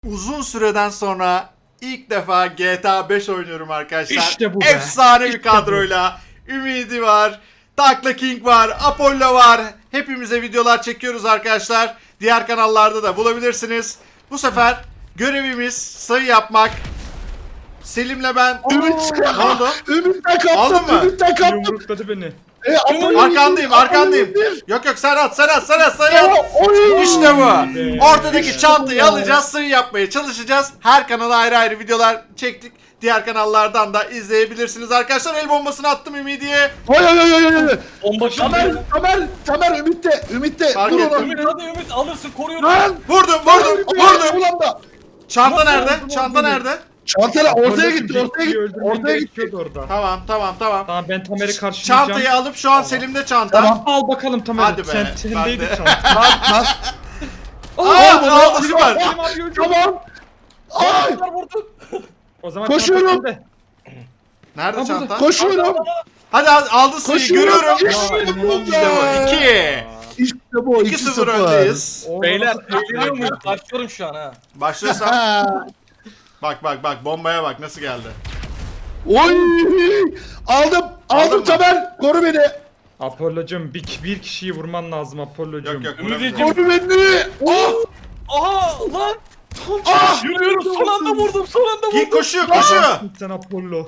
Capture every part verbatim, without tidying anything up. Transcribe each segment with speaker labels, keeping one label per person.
Speaker 1: Uzun süreden sonra ilk defa G T A beş oynuyorum arkadaşlar.
Speaker 2: İşte bu be.
Speaker 1: Efsane bir
Speaker 2: İşte
Speaker 1: kadroyla. Ümidi var, Takla King var, Apollo var. Hepimize videolar çekiyoruz arkadaşlar. Diğer kanallarda da bulabilirsiniz. Bu sefer görevimiz sayı yapmak. Selim'le ben...
Speaker 3: Ümit.
Speaker 1: Ne oldu?
Speaker 3: Ümit'ten
Speaker 1: Aldın
Speaker 3: kaptım.
Speaker 1: mı?
Speaker 3: Ümit'ten kaptım.
Speaker 2: Yumrukladı beni.
Speaker 3: E, Apollo
Speaker 1: Arkandayım,
Speaker 3: indir,
Speaker 1: arkandayım.
Speaker 3: Apollo indir.
Speaker 1: Yok yok sen at, sen at, sen at, sayı at.
Speaker 3: Oy.
Speaker 1: İşte bu.
Speaker 2: Be.
Speaker 1: Ortadaki
Speaker 3: İşte
Speaker 1: çantayı
Speaker 3: bu.
Speaker 1: alacağız, sayı yapmaya çalışacağız. Her kanala ayrı ayrı videolar çektik. Diğer kanallardan da izleyebilirsiniz arkadaşlar. El bombasını attım Ümidi'ye.
Speaker 3: Oy oy oy oy oy.
Speaker 4: Bomba
Speaker 3: Tamer,
Speaker 4: şimdi.
Speaker 3: Tamer, Tamer Ümit'te, Ümit'te.
Speaker 1: Fark
Speaker 3: Vur
Speaker 1: ettim.
Speaker 3: onu.
Speaker 4: Ümit hadi Ümit alırsın koruyorum.
Speaker 3: Lan.
Speaker 1: Vurdum, vurdum, vurdum.
Speaker 3: Ulan da.
Speaker 1: Çanta
Speaker 4: Nasıl
Speaker 1: nerede?
Speaker 4: oldu
Speaker 1: Çanta
Speaker 4: lan
Speaker 1: nerede?
Speaker 3: Çantayla ortaya
Speaker 2: Apollo
Speaker 3: gitti, ortaya
Speaker 2: Jackie'yi
Speaker 3: gitti.
Speaker 2: öldürmen
Speaker 3: Ortaya gitti.
Speaker 2: gerekiyordu orada.
Speaker 1: Tamam, tamam, tamam.
Speaker 2: Tamam ben Tamer'i karşılayacağım.
Speaker 1: Çantayı alıp şu an Selim'de çanta.
Speaker 3: Tamam.
Speaker 2: Al bakalım Tamer.
Speaker 1: Hadi be,
Speaker 2: Sen
Speaker 1: ben
Speaker 2: sendeydi
Speaker 1: de.
Speaker 2: çanta.
Speaker 3: Lan lan.
Speaker 1: Aa, aldı süper.
Speaker 2: Selim abi öldü.
Speaker 3: Tamam. Ay.
Speaker 4: Vurdu.
Speaker 2: O zaman
Speaker 3: Koşuyorum.
Speaker 2: çanta sende.
Speaker 1: Nerede
Speaker 2: Aa, burada.
Speaker 1: çanta?
Speaker 3: Koşuyorum.
Speaker 1: Hadi aldı sayıyı
Speaker 3: Koşuyorum.
Speaker 1: görüyorum.
Speaker 3: İşte bu
Speaker 1: İşte bu.
Speaker 3: be.
Speaker 1: iki.
Speaker 3: İşte bu.
Speaker 1: iki sıfır öndeyiz.
Speaker 2: Oo,
Speaker 4: Beyler
Speaker 2: nasıl-
Speaker 4: eğleniyor muyuz? Başlıyorum şu an ha.
Speaker 1: Başlıyorsam.
Speaker 3: Ha.
Speaker 1: Bak bak bak bombaya bak nasıl geldi.
Speaker 3: Oy. Aldım.
Speaker 1: Aldın
Speaker 3: Aldım
Speaker 1: mı?
Speaker 3: Tamer. Koru beni.
Speaker 2: Apollo'cum bir, bir kişiyi vurman lazım Apollo'cum.
Speaker 1: Yok yok.
Speaker 4: Ümidiciğim.
Speaker 1: vuramayacağım.
Speaker 3: Koru beni. Oh.
Speaker 4: Aha lan.
Speaker 3: Ah.
Speaker 4: Yürüyorum son anda vurdum son anda vurdum.
Speaker 1: Git koşuyor koşuyor.
Speaker 2: Sen Apollo.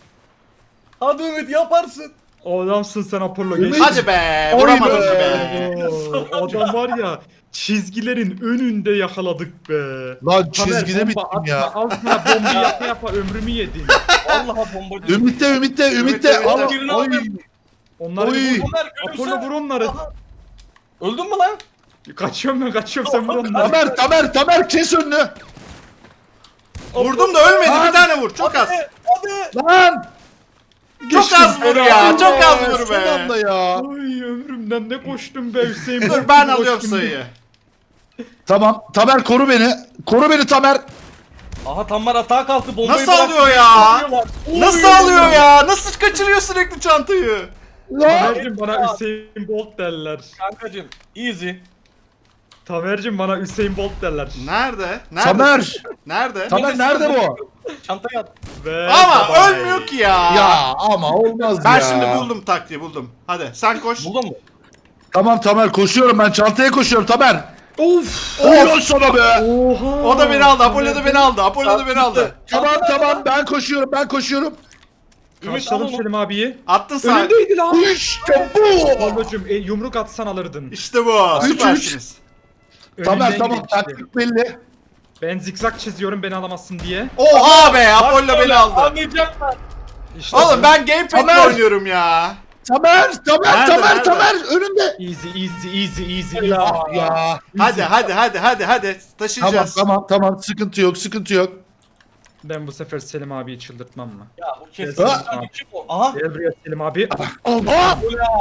Speaker 4: Hadi Ümit yaparsın.
Speaker 2: O adamsın sen Apollo.
Speaker 3: Ümit-
Speaker 2: Geç.
Speaker 1: Hadi be
Speaker 3: Oy
Speaker 1: vuramadım
Speaker 3: be.
Speaker 1: be.
Speaker 2: Oo, adam var ya çizgilerin önünde yakaladık be.
Speaker 3: Lan
Speaker 2: Tamer,
Speaker 3: çizgide
Speaker 2: bomba
Speaker 3: bittim
Speaker 2: atma,
Speaker 3: ya.
Speaker 2: Al sana bomba yapa yapa ömrümü yedin.
Speaker 4: Vallahi bombacı.
Speaker 3: Ümit'te, Ümit'te, Ümit'te.
Speaker 1: Ümit'te.
Speaker 3: Al.
Speaker 4: Birini
Speaker 3: Oy.
Speaker 4: aldım.
Speaker 2: Onları
Speaker 3: Oy.
Speaker 2: vur.
Speaker 4: Ömer
Speaker 2: Apollo
Speaker 4: gülümse.
Speaker 2: vur onları.
Speaker 4: Aha. Öldün mü lan?
Speaker 2: Kaçıyorum ben kaçıyorum sen vur onları.
Speaker 3: Tamer, Tamer, Tamer kes önünü.
Speaker 1: Vurdum da ölmedi bir
Speaker 3: Lan.
Speaker 1: tane vur çok az.
Speaker 4: Hadi. Hadi.
Speaker 3: Lan.
Speaker 1: Çok az vur ya çok az vur
Speaker 3: Son anda
Speaker 1: be.
Speaker 3: ya.
Speaker 2: Ay ömrümden ne koştum be Hüseyin.
Speaker 1: Dur ben
Speaker 2: Bolt gibi
Speaker 1: alıyorum
Speaker 2: koştum.
Speaker 1: sayıyı.
Speaker 3: Tamam, Tamer koru beni. Koru beni Tamer.
Speaker 4: Aha Tamer atağa kalktı bombayı
Speaker 1: Nasıl
Speaker 4: bıraktı.
Speaker 1: alıyor ya?
Speaker 4: Vuruyorlar.
Speaker 1: Nasıl alıyor ya? Nasıl kaçırıyor sürekli çantayı?
Speaker 3: Lan.
Speaker 2: Tamer'cim bana Hüseyin Bolt derler.
Speaker 4: Kankacım easy.
Speaker 2: Tamer'cim bana Hüseyin Bolt derler.
Speaker 1: Nerede? Nerede?
Speaker 3: Tamer.
Speaker 1: Nerede?
Speaker 3: Tamer nerede bu?
Speaker 4: Çantaya at.
Speaker 2: Ve
Speaker 1: Ama
Speaker 2: bye.
Speaker 1: ölmüyor ki ya.
Speaker 3: Ya ama olmaz
Speaker 1: Ben
Speaker 3: ya.
Speaker 1: şimdi buldum taktiği buldum. Hadi sen koş.
Speaker 4: Buldun mu?
Speaker 3: Tamam Tamer koşuyorum ben çantaya koşuyorum Tamer.
Speaker 2: Of.
Speaker 3: Oy sana be.
Speaker 2: Oha.
Speaker 1: O da beni aldı. Apollo da beni aldı. Apollo da beni aldı.
Speaker 3: Tamam tamam ben koşuyorum ben koşuyorum.
Speaker 4: Ümit
Speaker 2: Karşıladım
Speaker 4: al onu.
Speaker 2: Selim abiyi.
Speaker 1: Attın sen.
Speaker 2: Önündeydi lan.
Speaker 3: İşte bu.
Speaker 2: Apollo'cum e, yumruk atsan alırdın.
Speaker 1: İşte bu.
Speaker 3: Üç,
Speaker 1: Süpersiniz.
Speaker 3: Tamer
Speaker 2: Önünden
Speaker 3: tamam
Speaker 2: gidin işte.
Speaker 3: taktik belli.
Speaker 2: Ben zikzak çiziyorum beni alamazsın diye.
Speaker 1: Oha be. Apollo beni aldı.
Speaker 4: Anlayacaklar.
Speaker 2: İşte
Speaker 1: Oğlum
Speaker 2: bu.
Speaker 1: ben gamepad'le
Speaker 3: Tamer.
Speaker 1: oynuyorum ya.
Speaker 3: Tamer Tamer
Speaker 1: Nerede,
Speaker 3: Tamer
Speaker 1: nerede?
Speaker 3: Tamer önünde.
Speaker 2: Easy easy easy easy easy.
Speaker 4: Ya.
Speaker 3: Ya.
Speaker 1: Hadi hadi hadi hadi hadi.
Speaker 3: Tamam
Speaker 1: Taşıyacağız.
Speaker 3: tamam tamam sıkıntı yok sıkıntı yok.
Speaker 2: Ben bu sefer Selim abiyi çıldırtmam mı?
Speaker 4: Ya bu kesin.
Speaker 3: Ha?
Speaker 4: Kim o? Aha.
Speaker 2: Gel buraya Selim abi.
Speaker 3: Aa!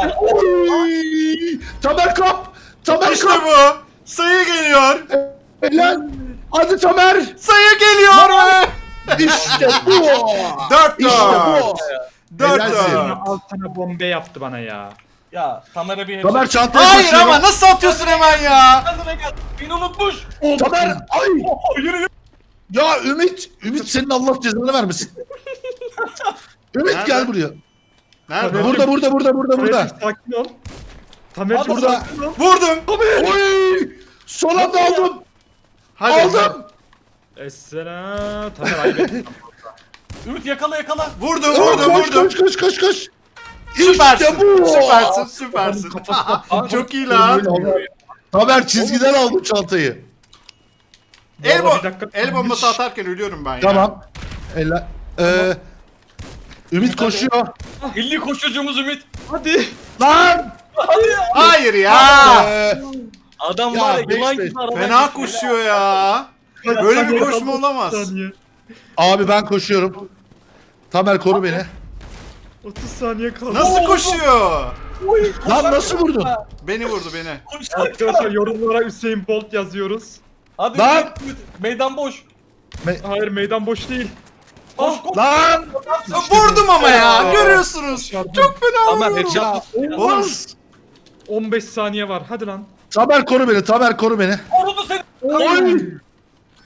Speaker 3: Oy! Tamer kap! Tamer
Speaker 1: İşte
Speaker 3: kap!
Speaker 1: bu. Sayı geliyor.
Speaker 3: Helal! Hadi Tamer!
Speaker 1: Sayı geliyor be.
Speaker 3: İşte bu!
Speaker 1: Dört
Speaker 3: İşte
Speaker 1: dört.
Speaker 3: bu!
Speaker 1: Dört
Speaker 3: Helalsin.
Speaker 1: dört.
Speaker 2: Al sana bombe yaptı bana ya.
Speaker 4: Ya Tamer'e bir
Speaker 3: Tamer çantaya
Speaker 1: Hayır
Speaker 3: koşuyor.
Speaker 1: ama nasıl atıyorsun hemen ya?
Speaker 4: Kendine gel. Beni unutmuş.
Speaker 3: Tamer! Ay!
Speaker 4: Oh, yürü yürü.
Speaker 3: Ya Ümit! Ümit senin Allah cezanı vermesin. Ümit
Speaker 1: Nerede?
Speaker 3: gel buraya.
Speaker 1: Nerede?
Speaker 3: Burada burada burada burada burada.
Speaker 2: Tamer'cim sakin ol. Tamer'cim
Speaker 3: Burada.
Speaker 2: sakin ol.
Speaker 1: Vurdum.
Speaker 3: Oy! Son anda aldım.
Speaker 1: Hadi.
Speaker 3: Aldım.
Speaker 2: Esselam. Tamer ayıp ettin.
Speaker 4: Ümit yakala yakala.
Speaker 1: Vurdum
Speaker 3: Aa,
Speaker 1: vurdum
Speaker 3: koş
Speaker 1: vurdum.
Speaker 3: koş koş koş koş.
Speaker 1: Süpersin.
Speaker 3: İşte bu.
Speaker 1: Süpersin süpersin. Çok iyi lan.
Speaker 3: Tamer çizgiden aldım çantayı.
Speaker 1: El,
Speaker 2: Vallahi
Speaker 1: bo
Speaker 2: bir dakika-
Speaker 1: el bombası atarken ölüyorum ben ya.
Speaker 3: Tamam. Eller. Ee, Ümit koşuyor.
Speaker 4: Milli koşucumuz Ümit.
Speaker 2: Hadi.
Speaker 3: Lan!
Speaker 4: Hadi ya.
Speaker 1: Hayır ya.
Speaker 3: Ee,
Speaker 4: Adam
Speaker 3: Ya,
Speaker 4: var ya
Speaker 3: beş
Speaker 4: yılan
Speaker 3: beş.
Speaker 4: gibi aradan
Speaker 1: Fena
Speaker 4: geçiyor.
Speaker 1: koşuyor ya. Böyle bir koşma olamaz.
Speaker 2: Saniye.
Speaker 3: abi ben koşuyorum. Tamer koru beni.
Speaker 2: otuz saniye kaldı.
Speaker 1: Nasıl koşuyor?
Speaker 4: Oy,
Speaker 3: Lan nasıl vurdun?
Speaker 1: Beni vurdu beni.
Speaker 4: koşar.
Speaker 2: Arkadaşlar yorumlara Hüseyin Bolt yazıyoruz.
Speaker 4: Hadi
Speaker 3: Lan!
Speaker 4: Ümit, Ümit. Meydan boş.
Speaker 2: Hayır meydan boş değil.
Speaker 4: Koş koş.
Speaker 3: Lan!
Speaker 1: Vurdum ama ya.
Speaker 3: Aa.
Speaker 1: Görüyorsunuz.
Speaker 2: Başardım.
Speaker 1: Çok fena
Speaker 4: Tamer
Speaker 1: vuruyorum.
Speaker 4: headshot.
Speaker 3: Ya,
Speaker 1: Oğlum.
Speaker 3: olmaz.
Speaker 2: on beş saniye var. Hadi lan.
Speaker 3: Tamer koru beni. Tamer koru beni.
Speaker 4: Korudu seni.
Speaker 3: Oy!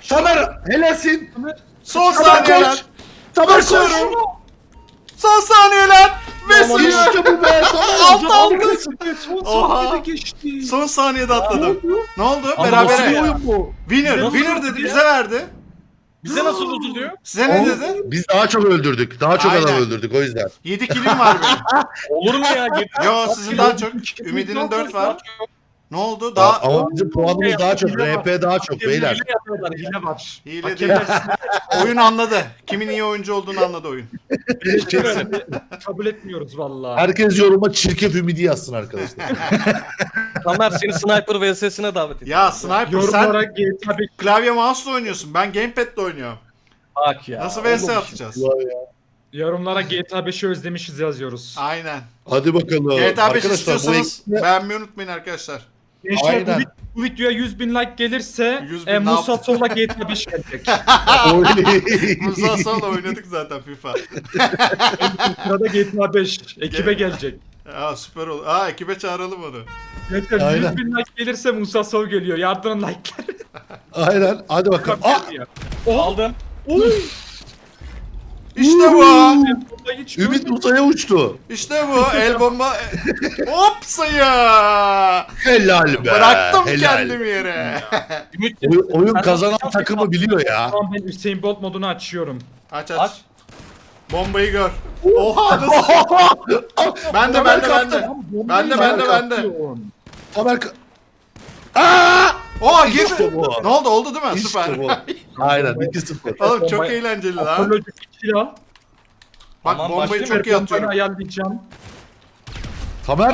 Speaker 3: Tamer helalsin.
Speaker 1: Son
Speaker 3: Tamer
Speaker 1: saniyeler.
Speaker 3: koş. Tamer koş.
Speaker 1: Koşuyorum. Son saniyeler. Ve
Speaker 3: Tamam,
Speaker 1: sayı.
Speaker 3: işte bu be. Tamer.
Speaker 1: Altı altı.
Speaker 2: Son
Speaker 1: Oha.
Speaker 2: saniyede geçti.
Speaker 1: Son saniyede atladım. Ne oldu?
Speaker 4: Ama
Speaker 3: Nasıl bir
Speaker 1: Berabere.
Speaker 3: oyun bu?
Speaker 1: Winner.
Speaker 4: Nasıl
Speaker 1: Winner
Speaker 4: oldu
Speaker 1: dedi.
Speaker 4: ya?
Speaker 1: Bize verdi.
Speaker 4: Bize nasıl üzülüyor?
Speaker 1: Size ne
Speaker 3: Oğlum,
Speaker 1: dedi?
Speaker 3: Biz daha çok öldürdük. Daha çok
Speaker 1: Aynen.
Speaker 3: adam öldürdük o yüzden.
Speaker 1: yedi kilim var benim.
Speaker 4: Olur mu ya? Git.
Speaker 1: Yo sizin daha çok. Ümidinin dört var. Ne oldu? Daha
Speaker 3: Ama bizim puanımız daha çok.
Speaker 2: Hile var.
Speaker 3: R P daha çok beyler.
Speaker 2: Hile yapıyorlar, hile var.
Speaker 1: hile
Speaker 2: Hakemler
Speaker 1: değil. Oyun anladı. Kimin iyi oyuncu olduğunu anladı oyun.
Speaker 2: sinirlendi. Kabul etmiyoruz vallahi.
Speaker 3: Herkes yoruma çirkef ümidi yazsın arkadaşlar.
Speaker 4: Tamer seni Sniper V S'sine davet ediyor.
Speaker 1: Ya Sniper sen
Speaker 2: Yorumlara G T A beş
Speaker 1: klavye mouse'la oynuyorsun. Ben gamepad'le oynuyorum.
Speaker 4: Bak ya.
Speaker 1: Nasıl V S atacağız?
Speaker 2: yorumlara G T A beşi özlemişiz yazıyoruz.
Speaker 1: Aynen.
Speaker 3: Hadi bakalım.
Speaker 1: G T A beş
Speaker 3: Arkadaşlar, bu
Speaker 1: istiyorsanız
Speaker 3: ekiple-
Speaker 1: beğenmeyi unutmayın arkadaşlar.
Speaker 2: Gençler bu,
Speaker 3: Aynen.
Speaker 2: vid- bu videoya yüz bin like gelirse
Speaker 1: yüz bin
Speaker 2: e,
Speaker 1: ne
Speaker 2: Musa
Speaker 1: yaptın?
Speaker 2: Sol'la G T A beş gelecek.
Speaker 1: Musa Sal'la oynadık zaten FIFA.
Speaker 2: Sırada G T A beş ekibe gelecek.
Speaker 1: Aa süper oldu. Aa ekibe çağıralım onu.
Speaker 2: Gençler
Speaker 3: Aynen.
Speaker 2: yüz bin like gelirse Musa Sol geliyor. Yardırın like'ları.
Speaker 3: Aynen. Hadi bakalım. Aa!
Speaker 2: Oha!
Speaker 4: Aldım.
Speaker 2: Oy!
Speaker 1: İşte bu.
Speaker 2: Hiç
Speaker 3: Ümit
Speaker 2: görmedim.
Speaker 3: uzaya uçtu.
Speaker 1: İşte bu. El bomba. Hop sayı.
Speaker 3: Helal be.
Speaker 1: Bıraktım
Speaker 3: helal.
Speaker 1: kendimi yere.
Speaker 4: Ümit.
Speaker 3: Oyun, oyun
Speaker 4: Sen
Speaker 3: kazanan
Speaker 4: nasıl
Speaker 3: takımı biliyor ya.
Speaker 2: Tamam ben Hüseyin Bolt modunu açıyorum.
Speaker 1: Aç aç.
Speaker 4: Aç.
Speaker 1: Bombayı gör. Oha nasıl? Ben de ben de ben de. Ben de ben de ben de.
Speaker 3: Tamer ka- Aa!
Speaker 1: Oha girdi.
Speaker 3: İşte bu.
Speaker 1: Ne oldu oldu değil mi?
Speaker 3: İşte
Speaker 1: Süper.
Speaker 3: bu. Aynen iki sıfır.
Speaker 1: Oğlum çok
Speaker 2: Bombayı-
Speaker 1: eğlenceli lan.
Speaker 2: Apollo'cuk iki al.
Speaker 1: Bak
Speaker 4: Tamam,
Speaker 1: bombayı
Speaker 4: başlayayım.
Speaker 1: çok iyi
Speaker 2: Bombayı
Speaker 1: atıyorum.
Speaker 2: ayarlayacağım.
Speaker 3: Tamer.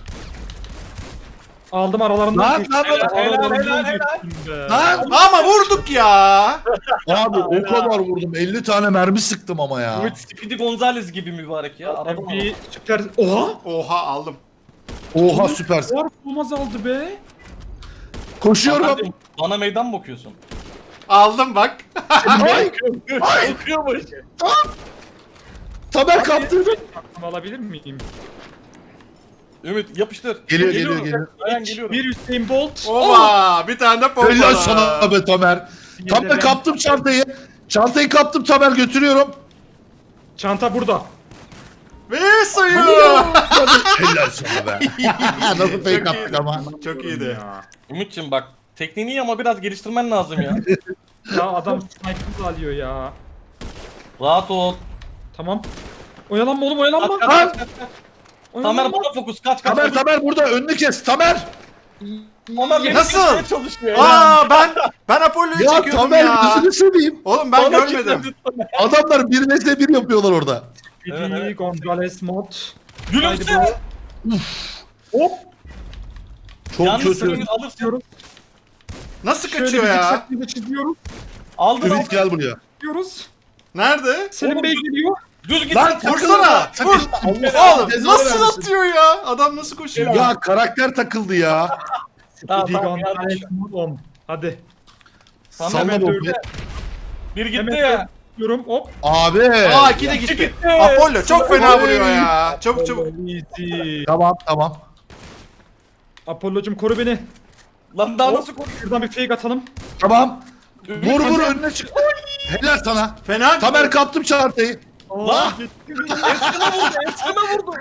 Speaker 2: Aldım aralarından.
Speaker 3: Lan,
Speaker 2: geçtim.
Speaker 3: lan, lan,
Speaker 2: Aralarından
Speaker 4: helal, helal,
Speaker 2: geçtim be.
Speaker 3: Lan.
Speaker 1: Ama vurduk ya.
Speaker 3: Abi o kadar vurdum. elli tane mermi sıktım ama ya.
Speaker 4: Ümit Speedy Gonzales gibi mübarek ya. Araba
Speaker 2: Ben bir süper... Oha!
Speaker 1: Oha aldım.
Speaker 3: Oha süpersin.
Speaker 2: Var bulmaz aldı be.
Speaker 3: Koşuyorum.
Speaker 4: Kardeşim, bana meydan mı okuyorsun?
Speaker 1: Aldım bak.
Speaker 3: Ay!
Speaker 4: Okuyormuş.
Speaker 3: Tamer kaptırdı.
Speaker 2: Tamam, alabilir miyim?
Speaker 4: Ümit yapıştır.
Speaker 3: Geliyor,
Speaker 4: Geliyorum.
Speaker 3: geliyor, geliyor.
Speaker 4: Aynen geliyorum.
Speaker 2: Bir Hüseyin Bolt.
Speaker 1: Oba bir tane de pompa.
Speaker 3: Helal sana be Tamer.
Speaker 2: Bir de ben-
Speaker 3: Tamer kaptım çantayı. Çantayı kaptım Tamer götürüyorum.
Speaker 2: Çanta burada.
Speaker 1: Ve sayı.
Speaker 3: Helal sana be. Nasıl
Speaker 1: Çok
Speaker 3: fake attık
Speaker 1: iyiydi.
Speaker 3: ama.
Speaker 1: Çok iyiydi.
Speaker 2: Ya,
Speaker 4: Ümit'ciğim bak. Tekniğini iyi ama biraz geliştirmen lazım ya.
Speaker 2: ya adam sniper alıyor ya.
Speaker 4: Rahat ol.
Speaker 2: Tamam. Oyalanma oğlum oyalanma.
Speaker 4: Kaç kaç
Speaker 3: Lan!
Speaker 4: kaç kaç. kaç.
Speaker 2: Oyalanma.
Speaker 4: Tamer bana fokus kaç kaç.
Speaker 3: Tamer Tamer burada önünü kes Tamer.
Speaker 4: Tamer beni
Speaker 1: Nasıl?
Speaker 4: kesmeye çalışıyor ya.
Speaker 1: Aa ben ben Apollo'yu
Speaker 3: Ya
Speaker 1: çekiyordum
Speaker 3: Tamer
Speaker 1: ya.
Speaker 3: gözünü seveyim.
Speaker 1: Oğlum ben
Speaker 3: Bana
Speaker 1: görmedim.
Speaker 3: kilitledi. Adamlar bir vs bir yapıyorlar orada.
Speaker 2: Speedy
Speaker 4: Evet, evet.
Speaker 2: Gonzales mod.
Speaker 4: Gülümse.
Speaker 2: Haydi
Speaker 3: Hop. Çok
Speaker 4: Yalnız sen
Speaker 3: kötü.
Speaker 4: Ümit alırsın.
Speaker 2: Diyoruz.
Speaker 1: Nasıl
Speaker 2: Şöyle
Speaker 1: kaçıyor
Speaker 2: bir
Speaker 1: ya?
Speaker 2: zikzaklı çiziyoruz.
Speaker 4: Aldın aldın.
Speaker 3: Ümit gel buraya.
Speaker 2: Diyoruz.
Speaker 1: Nerede?
Speaker 2: Selim
Speaker 4: Oğlum,
Speaker 2: Bey
Speaker 4: dur.
Speaker 2: geliyor.
Speaker 4: Düz git.
Speaker 3: Lan
Speaker 4: sen.
Speaker 1: Vursana.
Speaker 3: takılma,
Speaker 1: Vur.
Speaker 3: takılma. Allah
Speaker 1: Oğlum
Speaker 3: cezanı
Speaker 1: nasıl
Speaker 3: vermesin.
Speaker 1: atıyor ya? Adam nasıl koşuyor?
Speaker 3: Ya karakter takıldı ya.
Speaker 4: Tamam,
Speaker 2: Speedy
Speaker 4: tamam,
Speaker 2: Gonzales
Speaker 4: yanlış.
Speaker 2: mod on. Hadi.
Speaker 4: Tamer
Speaker 3: Salla
Speaker 4: ben
Speaker 3: bombayı.
Speaker 4: dövdüm. Bir gitti
Speaker 2: Hemen
Speaker 4: ya.
Speaker 2: diyorum hop.
Speaker 3: Abi.
Speaker 1: Aa iki de gitti.
Speaker 4: gitti.
Speaker 1: Apollo çok fena
Speaker 3: Oy.
Speaker 1: vuruyor ya. Çabuk çabuk.
Speaker 2: Easy.
Speaker 3: Tamam tamam.
Speaker 2: Apollo'cum koru beni.
Speaker 4: Lan daha
Speaker 2: Hop.
Speaker 4: nasıl koşuyor?
Speaker 2: Şuradan bir fake atalım.
Speaker 3: Tamam.
Speaker 4: Ümit,
Speaker 3: Vur vur
Speaker 4: hadi.
Speaker 3: önüne çık. Helal sana.
Speaker 1: Fena.
Speaker 3: Tamer kaptım çantayı.
Speaker 2: Aa,
Speaker 4: Ensene vurdu, ensene vurdu.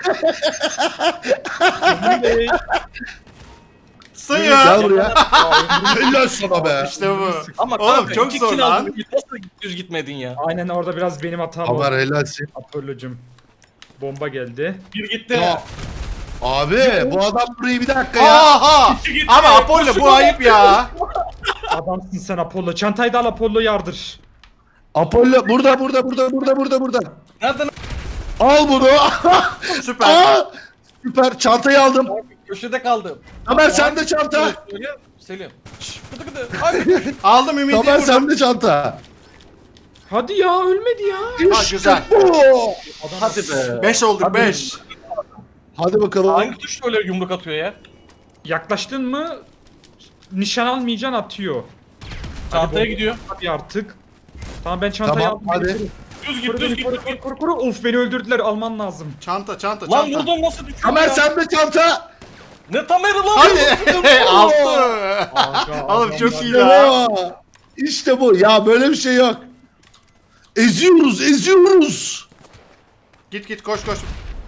Speaker 2: Selim Bey.
Speaker 1: Sayı.
Speaker 3: Gel buraya. Helal sana be.
Speaker 1: İşte bu.
Speaker 4: Ama
Speaker 1: Oğlum
Speaker 4: kanka,
Speaker 1: çok
Speaker 4: iki
Speaker 1: zor
Speaker 4: kill
Speaker 1: lan.
Speaker 4: aldın, Nasıl düz gitmedin ya?
Speaker 2: Aynen orada biraz benim hatam
Speaker 3: Tamer
Speaker 2: oldu.
Speaker 3: helalsin.
Speaker 2: Apollo'cum. Bomba geldi.
Speaker 4: Bir gitti.
Speaker 3: Ya. Abi bu adam burayı bir dakika ya.
Speaker 1: Aha.
Speaker 4: İki gitti.
Speaker 1: Ama Apollo
Speaker 4: Koşu
Speaker 1: bu
Speaker 4: gol.
Speaker 1: ayıp ya.
Speaker 2: Adamsın sen Apollo. Çantayı da al Apollo yardır.
Speaker 3: Apollo burada burada burada burada burada burada.
Speaker 4: Nereden?
Speaker 3: Al bunu.
Speaker 1: Süper.
Speaker 3: Aa, süper çantayı aldım.
Speaker 4: Köşede kaldım.
Speaker 3: Tamer sende çanta.
Speaker 4: Söyle, Selim. Şşş, gıdı gıdı. Hadi.
Speaker 1: Aldım Ümit'i
Speaker 3: Tamer
Speaker 1: vurdum.
Speaker 3: sende çanta.
Speaker 2: Hadi ya ölmedi ya.
Speaker 1: Ha, güzel.
Speaker 3: bu.
Speaker 4: Hadi be.
Speaker 1: beş olduk
Speaker 3: Hadi.
Speaker 1: beş.
Speaker 3: Hadi bakalım.
Speaker 4: Hangi tuş öyle yumruk atıyor ya?
Speaker 2: Yaklaştın mı nişan almayacaksın atıyor.
Speaker 4: Çantaya
Speaker 2: Hadi
Speaker 4: gidiyor.
Speaker 2: Hadi artık. Tamam ben çantayı
Speaker 3: Tamam
Speaker 2: aldım.
Speaker 3: hadi.
Speaker 4: Düz
Speaker 2: Koru
Speaker 4: git, düz
Speaker 2: beni
Speaker 4: git.
Speaker 2: koru
Speaker 4: düz
Speaker 2: koru
Speaker 4: git.
Speaker 2: koru koru. Of beni öldürdüler alman lazım.
Speaker 1: Çanta çanta
Speaker 4: Lan
Speaker 1: çanta.
Speaker 4: vurdum nasıl düşüyor
Speaker 3: Tamer
Speaker 4: ya?
Speaker 3: sende çanta.
Speaker 4: Ne Tamer'i lan?
Speaker 1: Hadi. Altı.
Speaker 2: Aga,
Speaker 1: Oğlum
Speaker 2: adam
Speaker 1: çok
Speaker 2: var.
Speaker 1: iyi la.
Speaker 3: Ya. İşte bu. Ya böyle bir şey yok. Eziyoruz, eziyoruz.
Speaker 1: Git git koş koş.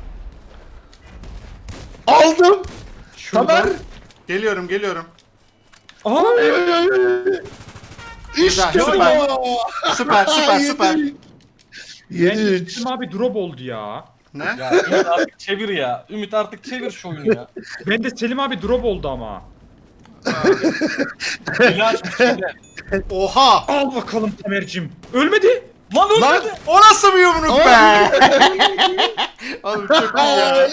Speaker 3: Aldım.
Speaker 2: Şuradan.
Speaker 3: Tamer.
Speaker 1: Geliyorum geliyorum.
Speaker 2: Aa,
Speaker 3: Ay, ay, ay, ay. İşte
Speaker 1: Güzel, süper.
Speaker 3: bu.
Speaker 1: Süper süper süper.
Speaker 3: yedi üç.
Speaker 2: Selim abi drop oldu ya.
Speaker 1: Ne?
Speaker 4: Ya Ümit artık çevir ya. Ümit artık çevir şu oyunu ya.
Speaker 2: Ben de Selim abi drop oldu ama.
Speaker 4: Hile açmış hile.
Speaker 1: Oha!
Speaker 2: Al bakalım Tamer'cim. Ölmedi.
Speaker 4: Lan
Speaker 3: Lan.
Speaker 4: ölmedi.
Speaker 1: O nasıl bir yumruk be? Oğlum çok iyi ya.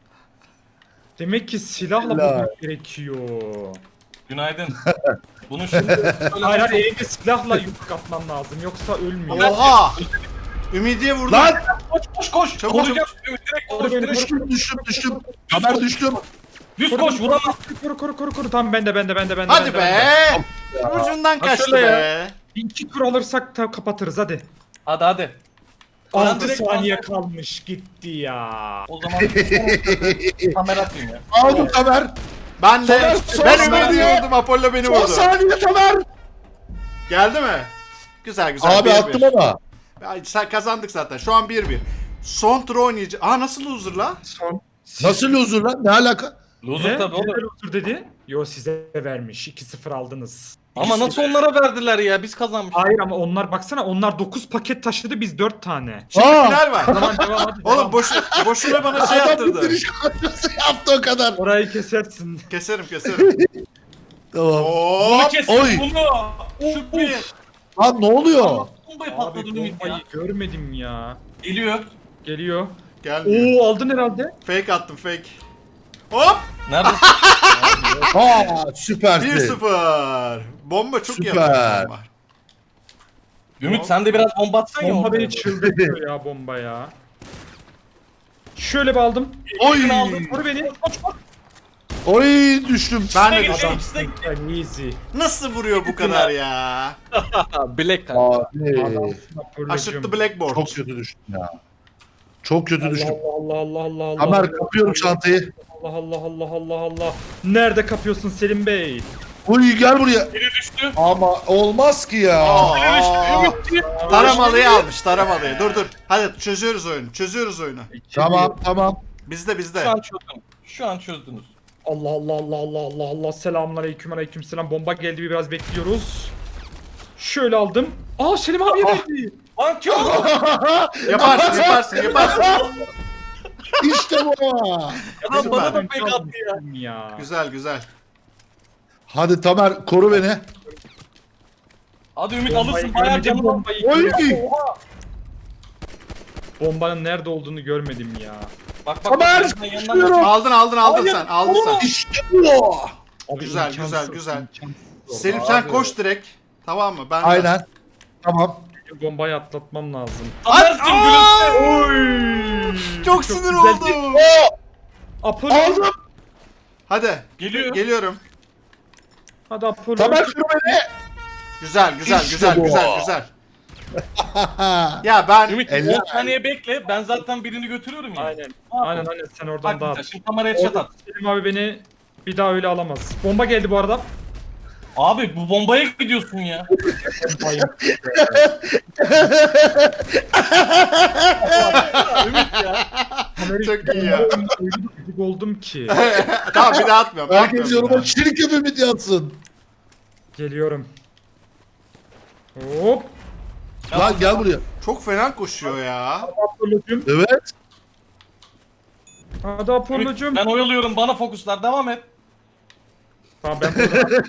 Speaker 2: Demek ki silahla
Speaker 3: Helal.
Speaker 2: vurmak gerekiyor.
Speaker 4: Günaydın. Bunu şimdi
Speaker 2: Hayır hayır elinde silahla yumruk atman lazım yoksa ölmüyor.
Speaker 1: Oha! Ümidiye vurdum.
Speaker 3: Lan.
Speaker 4: koş koş koş.
Speaker 1: Çabuk,
Speaker 4: Koruyacağım. Ümit direkt koş direkt.
Speaker 3: Düştüm, düştüm, düştüm. Tamer düştüm.
Speaker 4: Düz koş vuramaz.
Speaker 2: Koru koru koru koru. Tamam bende bende bende bende.
Speaker 1: Hadi
Speaker 2: bende,
Speaker 1: be!
Speaker 2: bende.
Speaker 1: Ucundan
Speaker 4: Ha,
Speaker 1: kaçtı
Speaker 4: şöyle
Speaker 1: be.
Speaker 2: Bir iki tur alırsak da kapatırız hadi.
Speaker 4: Hadi hadi.
Speaker 2: altı
Speaker 4: direkt
Speaker 2: saniye
Speaker 4: aldım.
Speaker 2: kalmış gitti ya.
Speaker 4: O zaman kamera atayım ya.
Speaker 3: Aldım Tamer.
Speaker 1: Ben de
Speaker 3: Soner, son
Speaker 1: ben
Speaker 3: saniye.
Speaker 1: Ümidi'yi vurdum. Apollo beni
Speaker 3: Son
Speaker 1: vurdu.
Speaker 3: saniye Tamer.
Speaker 1: Geldi mi? Güzel güzel.
Speaker 3: Abi
Speaker 1: bir
Speaker 3: attım
Speaker 1: bir.
Speaker 3: ama.
Speaker 1: Ay, sen kazandık zaten. Şu an bir bir. Son tur oynayacağız. Aa nasıl loser la?
Speaker 2: Son.
Speaker 3: Nasıl loser lan? Ne alaka?
Speaker 4: Loser
Speaker 2: Ne?
Speaker 4: tabii oğlum.
Speaker 2: Neden loser dedi? Yo size vermiş. iki sıfır aldınız.
Speaker 4: Ama nasıl onlara verdiler ya? Biz kazanmışız.
Speaker 2: Hayır ama onlar baksana onlar dokuz paket taşıdı biz dört tane.
Speaker 1: Şimdi
Speaker 3: Aa!
Speaker 1: final var.
Speaker 2: Tamam devam hadi.
Speaker 1: Oğlum
Speaker 2: devam.
Speaker 1: boşu, boşuna bana şey
Speaker 3: Adam
Speaker 1: yaptırdı.
Speaker 3: bitiriş kadrosu yaptı o kadar.
Speaker 2: Orayı kesersin.
Speaker 1: Keserim keserim.
Speaker 3: Tamam.
Speaker 4: Bunu
Speaker 1: Hop.
Speaker 4: kesin
Speaker 3: Oy.
Speaker 4: bunu. Şu bir.
Speaker 3: Lan ne oluyor?
Speaker 4: Bombayı
Speaker 2: Abi
Speaker 4: patladı Ümit
Speaker 2: bombayı
Speaker 4: ya.
Speaker 2: görmedim ya.
Speaker 4: Geliyor.
Speaker 2: Geliyor.
Speaker 1: Gelmiyor.
Speaker 2: Oo aldın herhalde.
Speaker 1: Fake attım fake. Hop.
Speaker 4: Nerede?
Speaker 3: Aa süpersin.
Speaker 1: bir sıfır. Bomba çok iyi
Speaker 3: Süper.
Speaker 1: atıyor bomba.
Speaker 4: Ümit sen de biraz bomba atsan ya.
Speaker 2: Bomba
Speaker 4: ortaya.
Speaker 2: beni çıldırtıyor ya bomba ya. Şöyle bir aldım.
Speaker 3: Oy.
Speaker 4: Birini aldım.
Speaker 2: Vur beni.
Speaker 3: Oy düştüm.
Speaker 1: Ben de
Speaker 4: İkisine
Speaker 1: düştüm.
Speaker 4: gir, ikisine gir.
Speaker 2: Adamsın easy.
Speaker 1: Nasıl vuruyor bu kadar ya?
Speaker 4: Black kanka.
Speaker 3: Abi.
Speaker 2: Adamsın
Speaker 1: Aşırttı blackboard.
Speaker 3: Çok kötü düştüm ya. Çok kötü
Speaker 2: Allah
Speaker 3: düştüm.
Speaker 2: Allah Allah Allah Allah.
Speaker 3: Tamer
Speaker 2: Allah,
Speaker 3: kapıyorum çantayı.
Speaker 2: Allah Allah Allah Allah Allah. Nerede kapıyorsun Selim Bey?
Speaker 3: Uy gel buraya.
Speaker 4: Biri düştü.
Speaker 3: Ama olmaz ki ya.
Speaker 1: Aa,
Speaker 4: Ümit.
Speaker 1: taramalıyı almış taramalıyı. Dur dur. Hadi çözüyoruz oyunu. Çözüyoruz oyunu.
Speaker 3: Tamam tamam.
Speaker 1: Bizde bizde.
Speaker 4: Şu an çözdüm. Şu an çözdünüz.
Speaker 2: Allah Allah Allah Allah Allah Allah. Selamünaleyküm aleyküm selam. Bomba geldi biraz bekliyoruz. Şöyle aldım. Aa Selim abiye verdi.
Speaker 4: Lan kim oldu?
Speaker 1: Yaparsın yaparsın yaparsın.
Speaker 3: İşte bu.
Speaker 4: Adam bana da
Speaker 1: Süper.
Speaker 4: pek attı ya.
Speaker 2: ya.
Speaker 1: Güzel güzel.
Speaker 3: Hadi Tamer koru beni.
Speaker 4: Hadi Ümit
Speaker 2: Bombayı
Speaker 4: alırsın bayağı
Speaker 2: görmedim,
Speaker 4: canım.
Speaker 2: bombayı
Speaker 3: Oy.
Speaker 2: görmedim. Bombanın nerede olduğunu görmedim ya.
Speaker 4: Bak bak.
Speaker 3: Tamer,
Speaker 4: bak, yanından-
Speaker 3: çıkıyorum.
Speaker 1: Aldın aldın aldın
Speaker 4: Hayır,
Speaker 1: sen. Aldın sen.
Speaker 3: İşte bu.
Speaker 2: Abi
Speaker 1: Güzel,
Speaker 2: imkansız,
Speaker 1: güzel, güzel.
Speaker 2: imkansız.
Speaker 1: Selim sen
Speaker 4: Abi.
Speaker 1: koş direkt. Tamam mı? Ben de-
Speaker 3: Aynen. Tamam.
Speaker 2: Bombayı atlatmam lazım.
Speaker 4: Tamer'cim gülümse.
Speaker 2: Oy!
Speaker 1: Çok sinir
Speaker 2: güzel.
Speaker 1: oldum.
Speaker 2: Apollo.
Speaker 3: Aldım.
Speaker 1: Hadi.
Speaker 4: Geliyor.
Speaker 1: Geliyorum.
Speaker 2: Hadi Apollo.
Speaker 3: Tamer koru beni.
Speaker 1: Güzel güzel
Speaker 3: İşte
Speaker 1: güzel
Speaker 3: bu.
Speaker 1: güzel güzel. Ya ben
Speaker 4: Ümit
Speaker 3: Eller.
Speaker 4: on saniye bekle. Ben zaten birini götürüyorum ya.
Speaker 2: Aynen. Aynen aynen sen oradan
Speaker 4: Bak
Speaker 2: dağıt.
Speaker 4: bir şimdi kameraya chat at.
Speaker 2: Selim abi beni bir daha öyle alamaz. Bomba geldi bu arada.
Speaker 4: Abi bu bombaya gidiyorsun ya.
Speaker 2: Bombayı.
Speaker 4: Ümit ya.
Speaker 1: çok iyi ya.
Speaker 2: Öyle bir gıcık oldum ki.
Speaker 1: Tamam bir daha atmıyorum.
Speaker 3: Herkes
Speaker 1: atmıyorum bir
Speaker 3: yoruma
Speaker 1: daha.
Speaker 3: çirkin ümit yatsın.
Speaker 2: Geliyorum. Hop.
Speaker 3: Lan gel buraya.
Speaker 1: Çok fena koşuyor ya.
Speaker 2: Apollo'cum.
Speaker 3: Evet.
Speaker 2: Hadi
Speaker 4: Ümit,
Speaker 2: Apollo'cum.
Speaker 4: ben oyalıyorum bana fokuslar devam et.
Speaker 2: Tamam ben burada.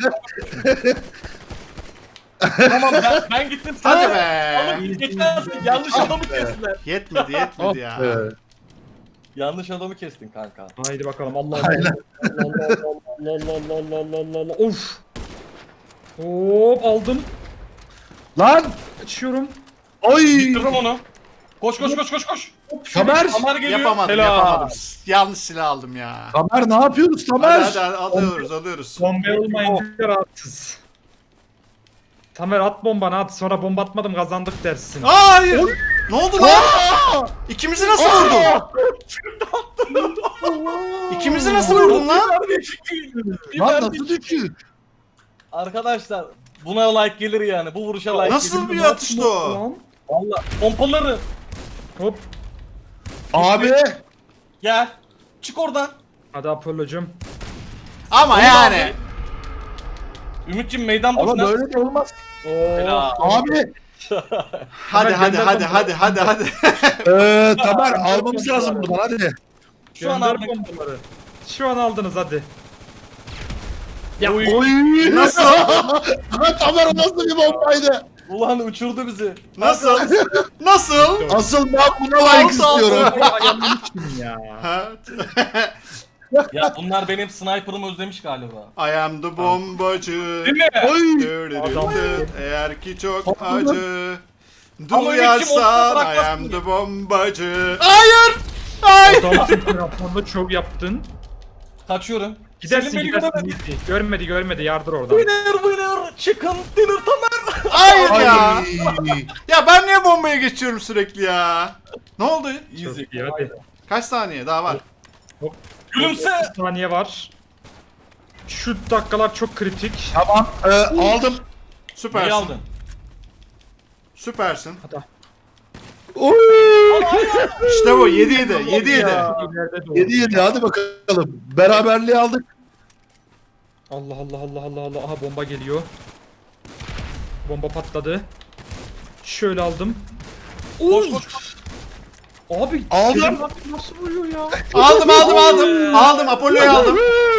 Speaker 4: Tamam ben, ben gittim sen
Speaker 1: Hadi
Speaker 4: de-
Speaker 1: be.
Speaker 4: Oğlum geçersin yanlış adamı kestiler.
Speaker 1: Yetmedi yetmedi ya.
Speaker 3: Evet.
Speaker 4: Yanlış adamı kestin kanka.
Speaker 2: Haydi bakalım. Allah Allah.
Speaker 3: Aynen.
Speaker 2: Allah Allah Allah Allah Allah Allah Allah Allah. Of. Hop aldım.
Speaker 3: Lan.
Speaker 2: Açıyorum.
Speaker 3: Oy.
Speaker 4: Bitirdim onu. Koş koş koş koş koş.
Speaker 3: Tamer.
Speaker 4: Tamer geliyor.
Speaker 1: Yapamadım
Speaker 4: Helal.
Speaker 1: yapamadım. Yanlış silah aldım ya.
Speaker 3: Tamer ne yapıyoruz
Speaker 1: Hadi
Speaker 3: Tamer?
Speaker 1: hadi, hadi alıyoruz alıyoruz.
Speaker 2: Bomba olmayınca rahatsız. Tamer at bombanı at. Sonra bomba atmadım kazandık dersin.
Speaker 1: Hayır. Ne oldu lan?
Speaker 3: Aa!
Speaker 1: İkimizi nasıl vurdun? İkimizi nasıl vurdun lan?
Speaker 3: Lan nasıl düşük?
Speaker 4: Arkadaşlar Buna like gelir yani. Bu vuruşa like
Speaker 1: Nasıl
Speaker 4: gelir.
Speaker 1: bir atıştı o?
Speaker 2: Lan.
Speaker 4: Valla pompaları.
Speaker 2: Hop.
Speaker 3: Abi.
Speaker 4: Gel. Çık oradan.
Speaker 2: Hadi Apollo'cum.
Speaker 1: Ama
Speaker 4: Onu
Speaker 1: yani.
Speaker 4: Ümit'ciğim meydan
Speaker 3: Ama
Speaker 4: boşuna.
Speaker 3: böyle de olmaz.
Speaker 2: Oo.
Speaker 4: Helal.
Speaker 3: Abi.
Speaker 1: Hadi hadi
Speaker 2: gönder
Speaker 1: hadi
Speaker 2: bombayı.
Speaker 1: hadi hadi hadi.
Speaker 3: Eee Tamer almamız lazım buradan hadi.
Speaker 4: Şu an
Speaker 2: Gönder
Speaker 4: aldık.
Speaker 2: bombaları. Şu an aldınız hadi. Ya
Speaker 4: Oy.
Speaker 3: Oy.
Speaker 1: Nasıl?
Speaker 3: Aha, Tamer o nasıl bir bombaydı?
Speaker 4: Ulan uçurdu bizi.
Speaker 1: Nasıl? Nasıl?
Speaker 3: Asıl ben buna like istiyorum.
Speaker 2: ayağımın için ya.
Speaker 1: Ha?
Speaker 4: Ya bunlar benim sniper'ımı özlemiş galiba.
Speaker 1: I am the bombacı.
Speaker 4: Değil mi?
Speaker 3: Oy.
Speaker 2: Adam.
Speaker 1: Eğer ki çok
Speaker 3: Patladı.
Speaker 1: acı
Speaker 4: Ama
Speaker 1: duyarsan
Speaker 4: Ümit'ciğim,
Speaker 1: I
Speaker 4: ortada
Speaker 1: am
Speaker 4: bırakmasın
Speaker 1: the bombacı. Hayır! Hayır!
Speaker 2: Adamsın telefonda şov yaptın.
Speaker 4: Kaçıyorum.
Speaker 2: Gidersin
Speaker 4: Selim beni
Speaker 2: gidersin.
Speaker 4: göremedi.
Speaker 2: gitti. Görmedi görmedi yardır oradan.
Speaker 4: Winner winner chicken dinner Tamer.
Speaker 1: Hayır ya!
Speaker 3: Ay.
Speaker 1: Ya ben niye bombaya geçiyorum sürekli ya? Ne oldu?
Speaker 4: Easy.
Speaker 2: Çok iyi hadi.
Speaker 1: Kaç saniye daha var?
Speaker 4: Gülümse.
Speaker 2: Bir saniye var. Şu dakikalar çok kritik.
Speaker 3: Tamam. Ee, aldım.
Speaker 4: Neyi
Speaker 1: Süpersin.
Speaker 4: aldın?
Speaker 1: Süpersin.
Speaker 2: Hadi.
Speaker 3: Oy.
Speaker 1: İşte bu yedi yedi yedi yedi.
Speaker 2: İleride doğru.
Speaker 3: yedi yedi hadi bakalım. Beraberliği aldık.
Speaker 2: Allah Allah Allah Allah Allah. Aha bomba geliyor. Bomba patladı. Şöyle aldım.
Speaker 4: Koş koş koş.
Speaker 2: Abi
Speaker 3: Aldım.
Speaker 2: Selim abi nasıl vuruyor ya?
Speaker 1: Aldım aldım aldım. Aldım Apollo'yu aldım.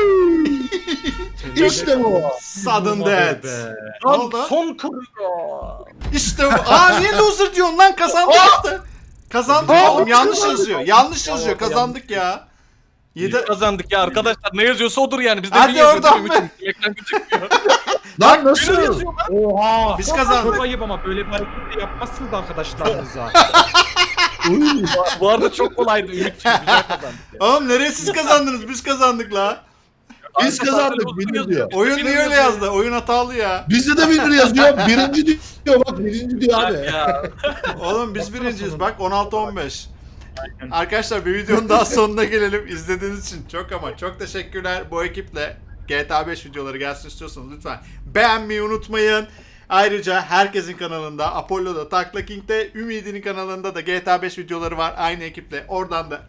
Speaker 3: İşte bu.
Speaker 1: Sudden
Speaker 2: Vurmadı
Speaker 1: death.
Speaker 2: be.
Speaker 1: Ne
Speaker 4: Lan
Speaker 1: oldu?
Speaker 4: son kırıyor.
Speaker 1: İşte bu. Aa niye loser diyorsun lan kazandık işte. Kazandık
Speaker 3: Aa,
Speaker 1: oğlum yanlış
Speaker 3: kazandık.
Speaker 1: yazıyor. Yanlış yazıyor kazandık ya. yedi
Speaker 4: Kazandık ya arkadaşlar. Ne yazıyorsa odur yani. Biz de
Speaker 1: Hadi
Speaker 4: bir yazıyoruz
Speaker 1: oradan
Speaker 4: Ümit'ciğim.
Speaker 1: be.
Speaker 4: Ekran gözükmüyor.
Speaker 3: Lan
Speaker 4: Winner
Speaker 3: nasıl?
Speaker 4: yazıyor lan.
Speaker 2: Oha.
Speaker 1: Biz kazandık.
Speaker 2: Çok ayıp ama böyle bir hareket de yapmazsınız arkadaşlarınıza.
Speaker 3: Oy.
Speaker 4: Bu arada çok kolaydı Ümit'ciğim. Güzel kazandık. ya.
Speaker 1: Oğlum nereye siz kazandınız? Biz kazandık la.
Speaker 3: Biz kazandık. Winner diyor.
Speaker 1: Oyun niye öyle yazdı? Oyun hatalı ya.
Speaker 3: Bizde de winner yazıyor. Birinci diyor bak birinci diyor abi.
Speaker 4: Ya.
Speaker 1: Oğlum biz birinciyiz bak on altı on beş.
Speaker 2: Aynen.
Speaker 1: Arkadaşlar bir videonun daha sonuna gelelim. İzlediğiniz için çok ama çok teşekkürler. Bu ekiple G T A beş videoları gelsin istiyorsanız lütfen beğenmeyi unutmayın. Ayrıca herkesin kanalında, Apollo'da, Takla King'de, Ümidi'nin kanalında da G T A beş videoları var. Aynı ekiple oradan da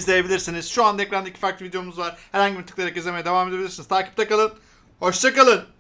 Speaker 1: izleyebilirsiniz. Şu anda ekranda iki farklı videomuz var. Herhangi bir tıklayarak izlemeye devam edebilirsiniz. Takipte kalın. Hoşça kalın.